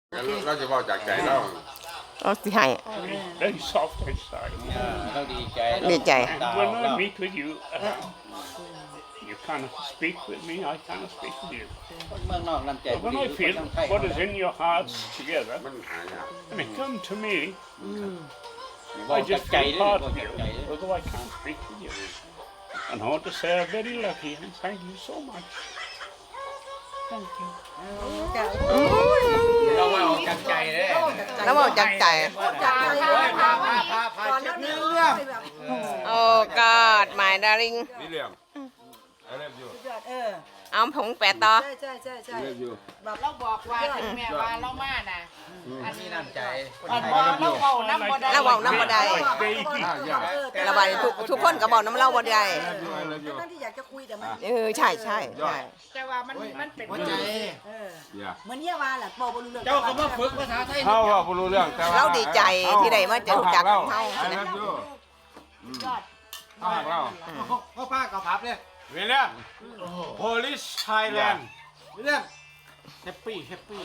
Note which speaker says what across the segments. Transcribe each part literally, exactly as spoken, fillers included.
Speaker 1: เราจะบอกจากใจเรา
Speaker 2: เอาสิให้
Speaker 3: Very soft inside.
Speaker 4: เราดีใจ
Speaker 2: ดีใจ
Speaker 3: And when I meet with you, uh, you cannot speak with me, I cannot speak with you.
Speaker 4: เมืองนอกน้ำใจ
Speaker 3: But when I feel what is in your hearts together,
Speaker 1: มันหายาก
Speaker 3: and it come to me,
Speaker 4: บอก
Speaker 3: I
Speaker 4: จาก
Speaker 3: just
Speaker 4: ใจ
Speaker 3: feel
Speaker 4: ด้วย
Speaker 3: part
Speaker 4: บอก
Speaker 3: of
Speaker 4: จาก
Speaker 3: you,
Speaker 4: ใจด้วย
Speaker 3: although I can't speak with you. And I want to say I'm very lucky and thank you so much. Thank you.
Speaker 4: เราว่าออกจากใจเลย
Speaker 2: แล้วบอกจากใจ
Speaker 4: พาพาพาพาเช็ดเนื้อเรื่อง
Speaker 2: โอ้ God my darling
Speaker 1: นี่เรื่องไอเลิฟยู
Speaker 5: เออ
Speaker 2: เอาผงแปะต่อ
Speaker 5: ใช่ใช่ใช่ใช่
Speaker 1: เลิฟยู
Speaker 6: เราบอกว่าถึงแม่ว่าเรามาน่ะ
Speaker 4: อันนี้น้ำใจ
Speaker 6: อันว่าเราเว้าน้ำบ่ได้
Speaker 2: เราเว้าน้ำบ่ได้
Speaker 3: Like baby.
Speaker 1: อ่ายาก
Speaker 2: ระบายทุกทุกคนก็บอกน้ำเล่าบ่ได้
Speaker 1: ไอเลิฟยูไอเลิฟยู
Speaker 5: ตั้งที่อยากจะคุยแต่มัน
Speaker 2: เออใช่ใช่ใช่
Speaker 6: แต่ว่ามันมันเป็น
Speaker 4: หัวใจ
Speaker 5: เออ
Speaker 1: อย่า
Speaker 5: เหมือนเยี่ยวาแหละบอกบรรลุเรื่อง
Speaker 4: เจ้าก็มาฝึกภาษาไทย
Speaker 1: เขาว่าไม่รู้เรื่องแต่ว่า
Speaker 2: เราดีใจที่ได้มาเจอจาก
Speaker 1: เรา
Speaker 2: เขา
Speaker 1: ไอเลิฟยู
Speaker 5: ยอด
Speaker 1: เขาหักเรา
Speaker 4: พ่อป้ากับพับเลย
Speaker 1: เวล่า Polish Thailand
Speaker 4: เรื่องแฮปปี้แฮปปี้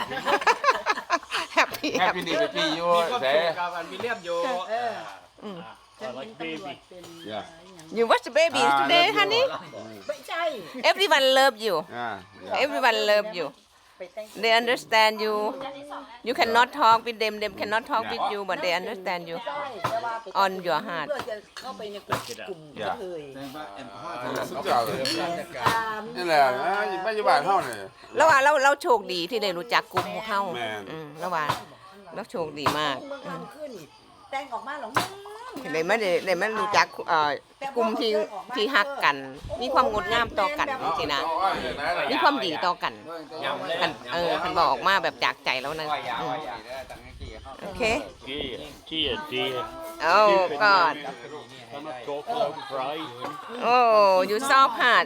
Speaker 2: แฮปปี้แฮป
Speaker 1: Happy
Speaker 2: ปี้
Speaker 1: Day Happy อยู่
Speaker 4: มีความ
Speaker 1: แต่
Speaker 4: สุขกับอันวิลเลียมอยู่
Speaker 5: เออ
Speaker 3: I like baby.
Speaker 1: อย่า
Speaker 2: You watch the baby today honey
Speaker 5: ไม่ใช่
Speaker 2: everyone love you
Speaker 1: อ่า
Speaker 2: everyone love you
Speaker 5: ไปแต่ง
Speaker 2: they understand you you cannot talk with them them cannot talk with you but they understand you
Speaker 5: ใช่แต่ว่าไป
Speaker 2: on your heart
Speaker 5: เพื่อจะเข้าไปในกลุ่มกลุ่มกระเทย
Speaker 4: แสดงว่าแอลกอฮอล์
Speaker 1: สุดยอดเลย
Speaker 5: ตาม
Speaker 1: นี่แหละนะปัจจุบันเท่าเนี่ย
Speaker 2: แล้วว่าเราเราโชคดีที่ได้รู้จักกลุ่มของเขา
Speaker 1: แม่น
Speaker 2: อืมแล้วว่าเราโชคดีมาก
Speaker 5: เมืองทำขึ้นนี่แต่งออกมาหรอ
Speaker 2: ที่ได้มาได้ได้มารู้จักเอ่อกลุ่มที่ที่ฮักกัน มีความงดงามต่อกันจริงๆนะมีความดีต่อกันกันเออคันบอกออกมาแบบจากใจแล้วนะอืมโอเค
Speaker 3: Dear, dear, dear.
Speaker 2: โอ้กอด
Speaker 3: Cannot talk about pride.
Speaker 2: โอ้ยูซอฟฮาร์ด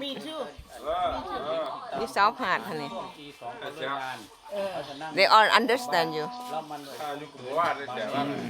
Speaker 2: ยูซอฟฮาร์ดฮะนี่ they all understand you
Speaker 4: แล้วมัน
Speaker 1: อายุกว่าได้แต่ว่า